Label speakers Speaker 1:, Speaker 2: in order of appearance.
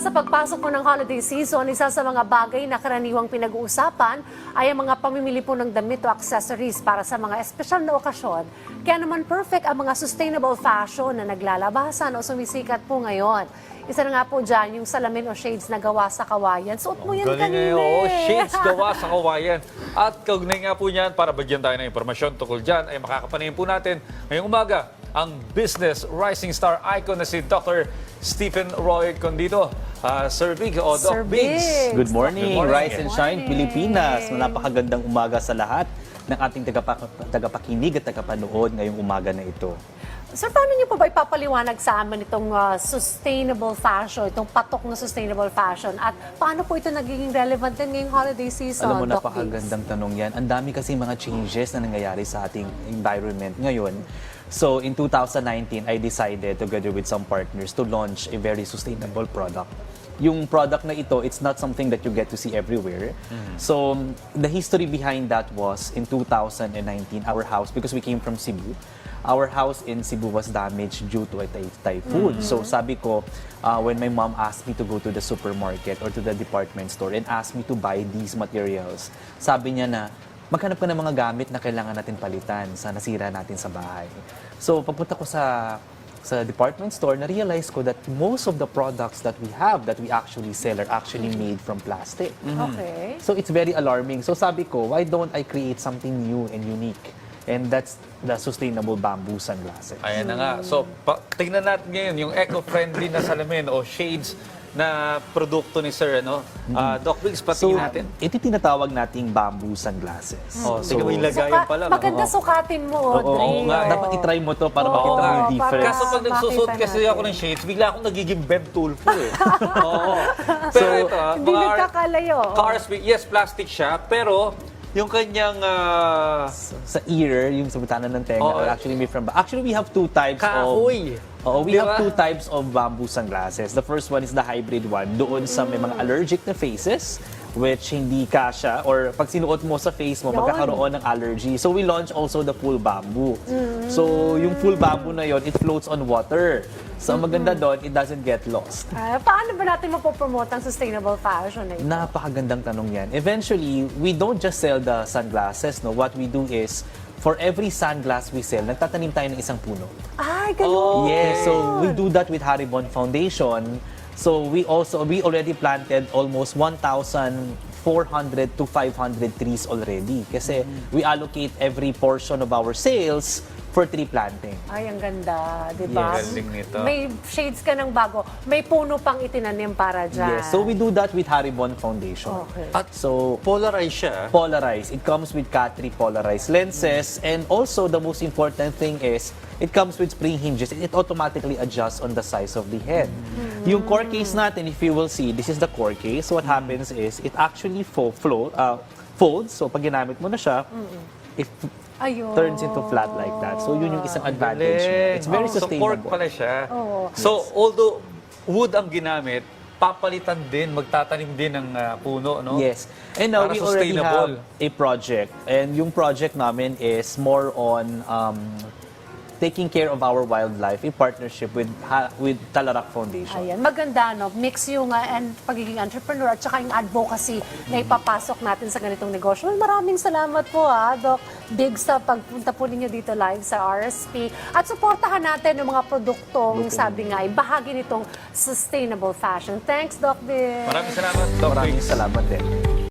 Speaker 1: sa pagpasok po ng holiday season, isa sa mga bagay na karaniwang pinag-uusapan ay ang mga pamimili po ng damit o accessories para sa mga espesyal na okasyon. Kaya naman perfect ang mga sustainable fashion na naglalabasan o sumisikat po ngayon. Isa na nga po dyan, yung salamin o shades na gawa sa kawayan. Suot mo yan kanina.
Speaker 2: Oo, shades gawa sa kawayan. At kaugnay nga po niyan, para bigyan tayo ng impormasyon tungkol dyan, ay makakapanayin po natin ngayong umaga ang business rising star icon na si Dr. Stephen Roy Condito. Sir Big o Doc
Speaker 1: Sir
Speaker 2: Biggs.
Speaker 3: Good morning,
Speaker 2: Good morning.
Speaker 3: Rise and Shine, Pilipinas. Napakagandang umaga sa lahat ng ating tagapakinig at tagapanood ngayong umaga na ito.
Speaker 1: Sir, paano niyo po ba ipapaliwanag sa amin itong sustainable fashion, itong patok na sustainable fashion? At paano po ito nagiging relevant din ngayong holiday season,
Speaker 3: Alam mo,
Speaker 1: Doc Biggs?
Speaker 3: napakagandang tanong yan. Ang dami kasi mga changes na nangyayari sa ating environment ngayon. So, in 2019, I decided, together with some partners, to launch a very sustainable product. Yung product na ito, it's not something that you get to see everywhere. So, the history behind that was, in 2019, our house, because we came from Cebu, our house in Cebu was damaged due to a typhoon. So, sabi ko, when my mom asked me to go to the supermarket or to the department store and asked me to buy these materials, sabi niya na, maghanap ka ng mga gamit na kailangan natin palitan sa nasira natin sa bahay. So, pagpunta ko sa department store, na-realize ko that most of the products that we have, that we actually sell, are actually made from plastic.
Speaker 1: Okay.
Speaker 3: So, it's very alarming. So, sabi ko, why don't I create something new and unique? And that's the sustainable bamboo sunglasses.
Speaker 2: Ayan na nga. So, tingnan natin ngayon yung eco-friendly na salamin o shades na produkto ni Sir, ano? Doc Biggs, patingin natin.
Speaker 3: Ito tinatawag nating bamboo sunglasses.
Speaker 2: Oh, tingnan mo yung lagayan pa lang.
Speaker 1: Maganda sukatin mo, Audrey.
Speaker 2: Oo nga.
Speaker 3: Dapat itry mo to para
Speaker 1: Oo
Speaker 3: makita mo
Speaker 1: nga.
Speaker 3: yung difference.
Speaker 2: Kaso pag nagsusot
Speaker 1: Makita
Speaker 2: kasi
Speaker 1: natin.
Speaker 2: ako ng shades, bigla akong nagiging Ben Tulfo eh. Oo. Pero ito,
Speaker 1: Hindi nagkakalayo.
Speaker 2: cars, yes, plastic siya, pero yung kanyang
Speaker 3: Sa ear, yung sa butanan ng tenga,
Speaker 2: Oo.
Speaker 3: are actually made from Actually, we have two types
Speaker 2: kahoy.
Speaker 3: we
Speaker 2: Di
Speaker 3: have
Speaker 2: ba?
Speaker 3: two types of bamboo sunglasses. The first one is the hybrid one. Doon sa may mga allergic na faces, which hindi kasha, or pag sinuot mo sa face mo,
Speaker 1: Yun.
Speaker 3: magkakaroon ng allergy. So we launch also the full bamboo. So yung full bamboo na yon, it floats on water. So ang maganda doon, it doesn't get lost.
Speaker 1: Paano ba natin mapopromote ang sustainable fashion na ito?
Speaker 3: Napakagandang tanong yan. Eventually, we don't just sell the sunglasses. No? What we do is, for every sunglass we sell, nagtatanim tayo ng isang puno.
Speaker 1: Ay, ganun.
Speaker 3: Yes, so we do that with Haribon Foundation. So we already planted almost 1,400 to 500 trees already. Kasi we allocate every portion of our sales for tree planting.
Speaker 1: Ay, ang ganda, di ba?
Speaker 2: Yes. Galing nito.
Speaker 1: May shades ka ng bago. May puno pang itinanim para dyan.
Speaker 3: Yes, so we do that with Haribon Foundation.
Speaker 1: Okay.
Speaker 2: At
Speaker 3: So
Speaker 2: polarize siya.
Speaker 3: polarized. It comes with Cat3 polarized lenses, and also the most important thing is it comes with spring hinges. It automatically adjusts on the size of the head. Yung core case natin, if you will see, this is the core case. What happens is it actually folds. So pag ginamit mo na siya, it
Speaker 1: Ayun.
Speaker 3: turns into flat like that. So yun yung isang advantage niya. It's very
Speaker 2: So
Speaker 3: sustainable.
Speaker 2: cork pala siya.
Speaker 1: Oo.
Speaker 2: So although wood ang ginamit, papalitan din, magtatanim din ng puno, no?
Speaker 3: Yes. And now
Speaker 2: Para
Speaker 3: we already
Speaker 2: sustainable.
Speaker 3: have a project. And yung project namin is more on taking care of our wildlife in partnership with Talarak Foundation.
Speaker 1: Ayan, maganda, no? Mix yung pagiging entrepreneur at saka yung advocacy na ipapasok natin sa ganitong negosyo. Well, maraming salamat po, Doc Biggs, sa pagpunta po ninyo dito live sa RSP. At suportahan natin yung mga produktong, sabi nga, ay bahagi nitong sustainable fashion. Thanks, Doc Biggs.
Speaker 2: Maraming salamat, Doc
Speaker 3: Maraming
Speaker 2: Biggs.
Speaker 3: salamat din.